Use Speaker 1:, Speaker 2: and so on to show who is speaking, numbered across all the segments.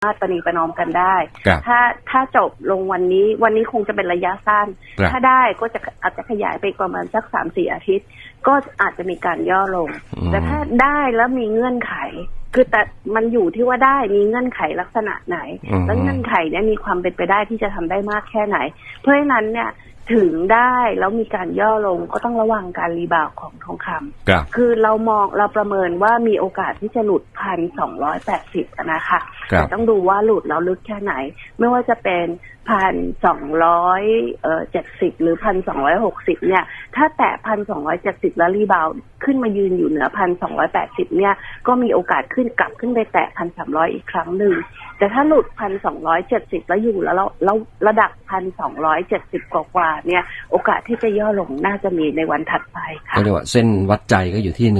Speaker 1: ารถประนีประนอมกันได้ถ้าจบลงวันนี้คงจะเป็นระยะสั้นถ้าได้ก็จะอาจจะขยายไปประมาณสัก 3-4 อาทิตย์ก็อาจจะมีการย่อลงแต่ถ้าได้แล้วมีเงื่อนไขคือแต่มันอยู่ที่ว่าได้มีเงื่อนไขลักษณะไหนแล้วเงื่อนไขเนี่ยมีความเป็นไปได้ที่จะทำได้มากแค่ไหนเพราะฉะนั้นเนี่ยถึงได้แล้วมีการย่อลงก็ต้องระวังการรีบาวของทองคำคือเราประเมินว่ามีโอกาสที่จะหลุด 1,280 นะคะแต่ต้องดูว่าหลุดแล้วลึกแค่ไหนไม่ว่าจะเป็น 1,270 หรือ 1,260 เนี่ยถ้าแตะ 1,270 แล้วรีบาวขึ้นมายืนอยู่เหนือ 1,280 เนี่ยก็มีโอกาสกลับขึ้นไปแตะ 1,300 อีกครั้งหนึ่งแต่ถ้าหลุด 1,270 แล้วอยู่แล้วระดับ 1,270 กว่าเนี่ยโอกาสที่จะย่อลงน่าจะมีในวันถัดไปค่ะ
Speaker 2: ก็เรียกว่าเส้นวัดใจก็อยู่ที่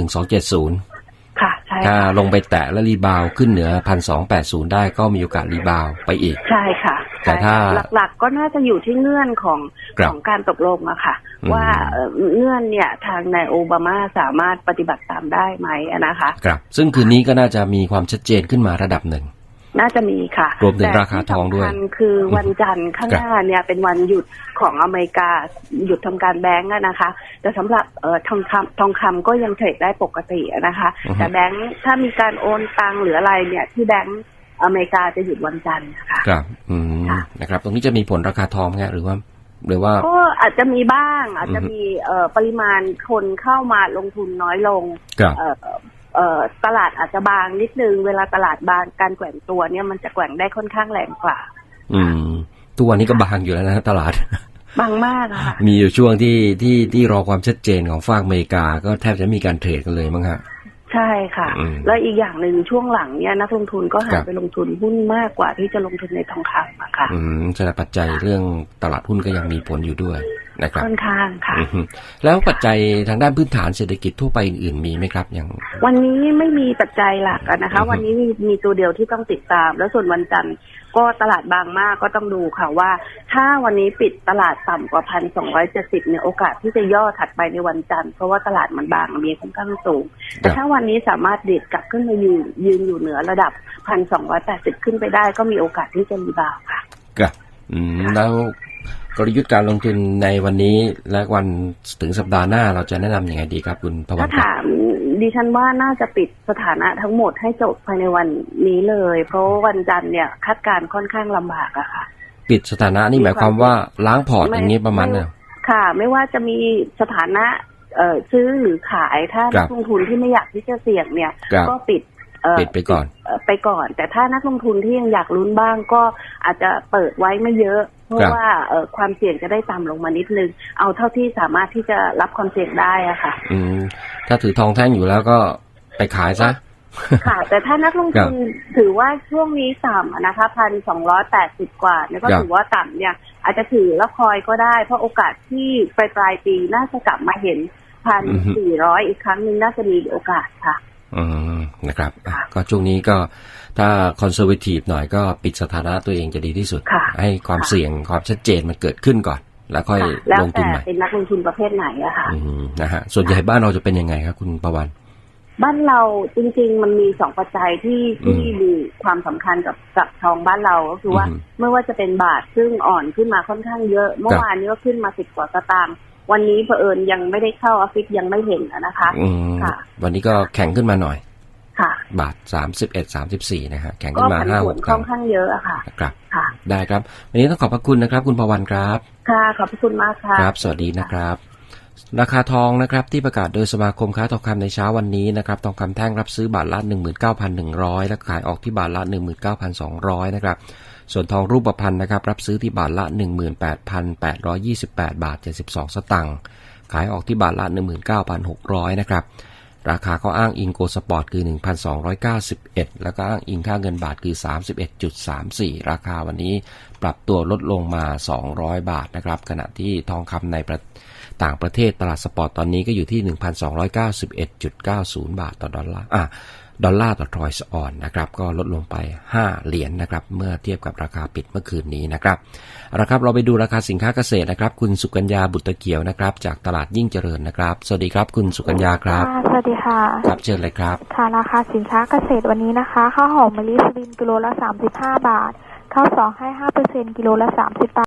Speaker 2: 1270
Speaker 1: ค่ะใช่
Speaker 2: ถ้าลงไปแตะและรีบาวขึ้นเหนือ 1,280 ได้ก็มีโอกาสรีบาวไปอีก
Speaker 1: ใช่ค่ะ
Speaker 2: แต่ถ้า
Speaker 1: หลักๆก็น่าจะอยู่ที่เงื่อนของการตกลงอะค่ะว่าเงื่อนเนี่ยทางนายโอบามาสามารถปฏิบัติตามได้ไหมนะคะ
Speaker 2: ครับซึ่งคืนนี้ก็น่าจะมีความชัดเจนขึ้นมาระดับหนึ่ง
Speaker 1: น่าจะมีค่ะ
Speaker 2: รวมถึงราคาทองด้วย
Speaker 1: คือวันจันทร์ข้างหน้าเนี่ยเป็นวันหยุดของอเมริกาหยุดทำการแบงก์นะคะแต่สำหรับทองคำก็ยังเทรดได้ปกตินะคะแต่แบงก์ถ้ามีการโอนตังหรืออะไรเนี่ยที่แบงก์อเมริกาจะหยุดวันจันทร์นะคะ
Speaker 2: ครับนะครับตรงนี้จะมีผลราคาทองไหมหรือว่า
Speaker 1: ก็อาจจะมีบ้างอาจจะมีปริมาณคนเข้ามาลงทุนน้อยลงตลาดอาจจะบางนิดนึงเวลาตลาดบางการแกว่งตัวเนี่ยมันจะแกว่งได้ค่อนข้างแรงกว่า
Speaker 2: ทุกวันนี้ก็บางอยู่แล้วนะตลาด
Speaker 1: บางมากค่ะ
Speaker 2: มีอยู่ช่วงที่รอความชัดเจนของฝั่งอเมริกาก็แทบจะมีการเทรดกันเลยมั้งฮะ
Speaker 1: ใช่ค่ะแล้วอีกอย่างหนึ่งช่วงหลังเนี่ยนักลงทุนก็หันไปลงทุนหุ้นมากกว่าที่จะลงทุนในทองคำอะค่ะ
Speaker 2: แสดงปัจจัยเรื่องตลาดหุ้นก็ยังมีผลอยู่ด้วยนะครับ
Speaker 1: ค่อนข้างค่ะ
Speaker 2: แล้วปัจจัยทางด้านพื้นฐานเศรษฐกิจทั่วไปอื่นๆมีไหมครับอย่าง
Speaker 1: วันนี้ไม่มีปัจจัยหลักนะคะวันนี้มีตัวเดียวที่ต้องติดตามแล้วส่วนวันจันทร์ก็ตลาดบางมากก็ต้องดูค่ะว่าถ้าวันนี้ปิดตลาดต่ำกว่า 1,270 เนี่ยโอกาสที่จะย่อถัดไปในวันจันทร์เพราะว่าตลาดมันบางมีค่อนข้างสูงแต่ถ้าวันนี้สามารถเด็ดกลับขึ้นมายืนอยู่เหนือระดับ 1,280 ขึ้นไปได้ก็มีโอกาสที่จะรีบาวค่ะ
Speaker 2: ครับแล้วกลยุทธ์การลงทุนในวันนี้และวันถึงสัปดาห์หน้าเราจะแนะนำยังไงดีครับคุณพวัน
Speaker 1: ถ้าถามดิฉันว่าน่าจะปิดสถานะทั้งหมดให้จบภายในวันนี้เลยเพราะวันจันทร์เนี่ยคาดการณ์ค่อนข้างลำบากอะค่ะ
Speaker 2: ปิดสถานะนี่หมายความว่าล้างพอร์ตอย่างนี้ประมาณเนี่ย
Speaker 1: ค่ะไม่ว่าจะมีสถานะซื้อหรือขายถ้านักลงทุนที่ไม่อยากที่จะเสี่ยงเนี่ยก็ปิด
Speaker 2: ไปก่อน
Speaker 1: แต่ถ้านักลงทุนที่ยังอยากลุ้นบ้างก็อาจจะเปิดไว้ไม่เยอะเพราะว่าความเสี่ยงจะได้ต่ำลงมานิดนึงเอาเท่าที่สามารถที่จะรับความเสี่ยงได้อะค่ะ
Speaker 2: ถ้าถือทองแท่งอยู่แล้วก็ไปขายซะ
Speaker 1: ค่ะแต่ถ้านักลงทุนถือว่าช่วงนี้ต่ำนะคะ 1,280 กว่าเนี่ยก็ถือว่าต่ำเนี่ยอาจจะถือแล้วคอยก็ได้เพราะโอกาสที่ปลายปีน่าจะกลับมาเห็น 1,400 อีกครั้งนึงน่าจะมีโอกาสค่ะ
Speaker 2: นะครับก็ช่วงนี้ก็ถ้าคอนเซอร์เวทีฟหน่อยก็ปิดสถานะตัวเองจะดีที่สุดให้ความเสี่ยงความชัดเจนมันเกิดขึ้นก่อนแล้วค่อยลงทุนใหม่
Speaker 1: เป็นนักลงทุนประเภทไหนอะค่ะ
Speaker 2: นะฮะส่วนใหญ่บ้านเราจะเป็นยังไงครับคุณประวัน
Speaker 1: บ้านเราจริงๆมันมี2ปัจจัยที่มีความสำคัญกับทองบ้านเราก็คือว่าไม่ว่าจะเป็นบาทซึ่งอ่อนขึ้นมาค่อนข้างเยอะเมื่อวานนี้ก็ขึ้นมา10 กว่าสตางค์วันนี้เผอิญยังไม่ได้เข้าออฟฟิศยังไม่เห็นนะคะ
Speaker 2: ค่ะวันนี้ก็แข็งขึ้นมาหน่อย
Speaker 1: ค่ะ
Speaker 2: บาท31-34นะฮะแข็งขึ้นมา
Speaker 1: 5-6 ค่อนข้างเยอะอะค่ะ
Speaker 2: ครับได้ครับวันนี้ต้องขอบพระคุณนะครับคุณพวันครับ
Speaker 1: ค่ะขอบพระคุณมากค่ะ
Speaker 2: ครับสวัสดีนะครับราคาทองนะครับที่ประกาศโดยสมาคมค้าทองคำในเช้าวันนี้นะครับทองคำแท่งรับซื้อบาทละ 19,100 และขายออกที่บาทละ 19,200 นะครับส่วนทองรูปพรรณนะครับรับซื้อที่บาทละ 18,828 บาท 72 สตางค์ขายออกที่บาทละ 19,600 นะครับราคาเขาอ้างอิงโกลด์สปอร์ตคือ 1,291 แล้วก็อ้างอิงค่าเงินบาทคือ 31.34 ราคาวันนี้ปรับตัวลดลงมา200 บาทนะครับขณะที่ทองคำในต่างประเทศตลาดสปอร์ตตอนนี้ก็อยู่ที่ 1,291.90 บาทต่อดอลลาร์ดอลลาร์ต่อทรอยส์ออนนะครับก็ลดลงไป5เหรียญนะครับเมื่อเทียบกับราคาปิดเมื่อคืนนี้นะครับครับเราไปดูราคาสินค้าเกษตรนะครับคุณสุกัญญาบุตรเกียวนะครับจากตลาดยิ่งเจริญนะครับสวัสดีครับคุณสุกัญญาครับ
Speaker 3: สวัสดีค่ะ
Speaker 2: ครับเชิญเลยครับ
Speaker 3: ค่ะราคาสินค้าเกษตรวันนี้นะคะข้าวหอมมะลิสุรินทร์กิโลละ35 บาทข้าวสองให้ 5% กิโลละ30 บาท